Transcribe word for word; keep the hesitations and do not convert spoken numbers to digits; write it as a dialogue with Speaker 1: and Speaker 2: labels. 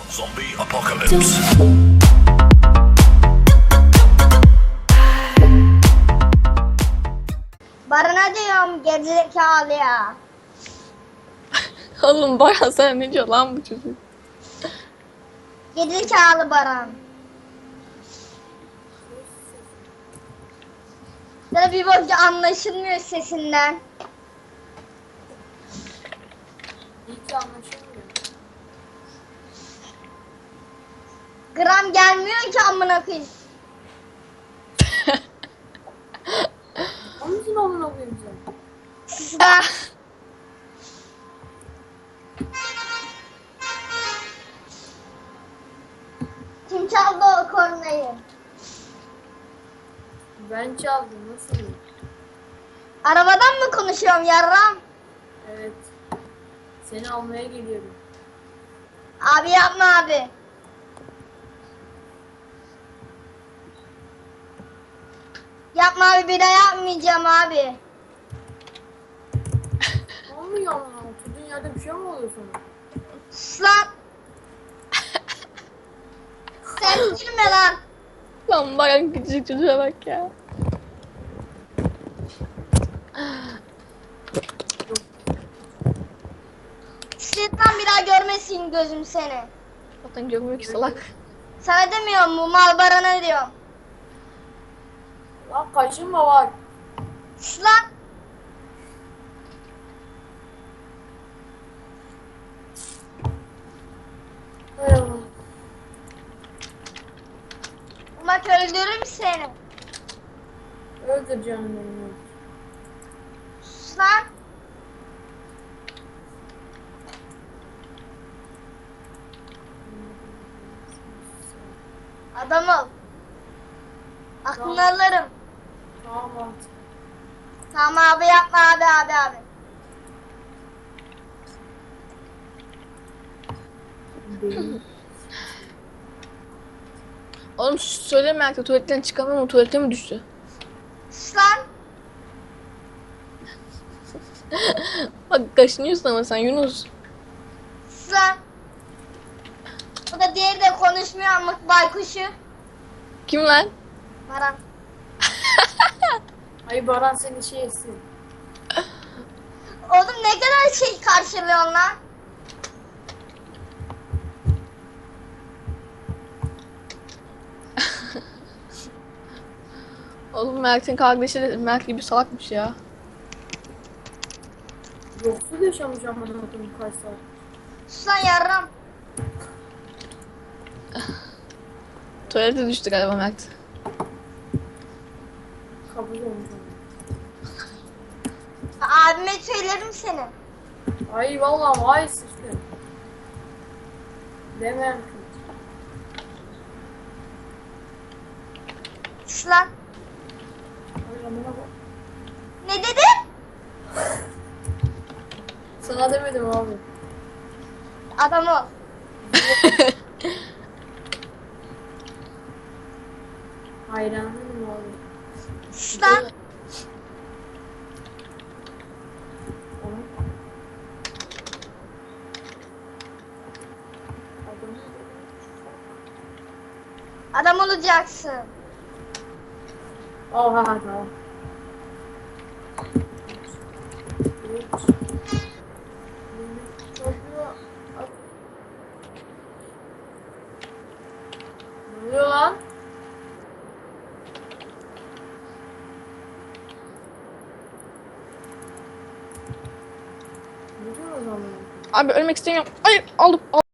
Speaker 1: Zombie apocalypse.
Speaker 2: Barına diyorum gerizekalı ya.
Speaker 3: Oğlum Baran sen ne diyor lan bu çocuk?
Speaker 2: Gerizekalı Baran. Sana bir boyunca anlaşılmıyor sesinden.
Speaker 4: Hiç anlaşılmıyor.
Speaker 2: Gram gelmiyor ki amına koyayım.
Speaker 4: Onun için amına koyayım sen.
Speaker 2: Sizden. Kim çaldı o kornayı?
Speaker 4: Ben çaldım, nasıl iyi?
Speaker 2: Arabadan mı konuşuyorum yarram?
Speaker 4: Evet. Seni almaya geliyorum.
Speaker 2: Abi yapma abi. Yapma abi, bir daha yapmayacağım abi.
Speaker 4: Ne oluyor amına? Oturduğun yerde bir şey mi oluyor sana?
Speaker 2: Sus lan. Sen girme lan.
Speaker 3: Lan Baran küçücük çocuğa bak ya.
Speaker 2: Şeytan bir daha görmesin gözüm seni.
Speaker 3: Zaten görmüyor ki salak.
Speaker 2: Sana demiyorum, bu mal Baran'a diyorum.
Speaker 4: Lan kaşınma var.
Speaker 2: Sus lan.
Speaker 4: Hay Allah.
Speaker 2: Bak öldürürüm seni.
Speaker 4: Öldür canım beni. öldür.
Speaker 2: Sus lan. Adam ol. Aklını
Speaker 4: Tamam.
Speaker 2: alırım.
Speaker 4: Tamam artık.
Speaker 2: Tamam abi, yapma abi abi abi.
Speaker 4: Benim.
Speaker 3: Oğlum söyleme artık, tuvaletten çıkamıyor mu? Tuvalete mi düştü?
Speaker 2: Sus lan.
Speaker 3: Bak kaşınıyorsun ama sen Yunus.
Speaker 2: Sus lan. Bu da diğeri de konuşmuyor ama baykuşu.
Speaker 3: Kim lan?
Speaker 2: Baran.
Speaker 4: Ay Baran seni şey etsin.
Speaker 2: Oğlum ne kadar şey karşılıyorsun lan.
Speaker 3: Oğlum Mert'in kardeşi de Mert gibi salakmış ya.
Speaker 4: Yoksul yaşamış amına koyayım kaç saat.
Speaker 2: Sus lan yarram.
Speaker 3: Tuvalete düştü galiba Mert.
Speaker 4: Kabul olmuş ama.
Speaker 2: Abime söylerim seni.
Speaker 4: Ay vallahi ay sıçtı. Demem ki.
Speaker 2: Sus lan.
Speaker 4: Ay amına bak.
Speaker 2: Ne dedin?
Speaker 4: Sana demedim abi.
Speaker 2: Adam ol.
Speaker 4: Hayranım abi.
Speaker 2: Sus lan.
Speaker 4: Ona. Adamı
Speaker 2: Adam olacaksın.
Speaker 4: Oha tamam. Üç. Çocuğu at. Ne oluyor lan? Ne diyor o zaman?
Speaker 3: Abi ölmek istemiyorum. Hayır aldım. aldım.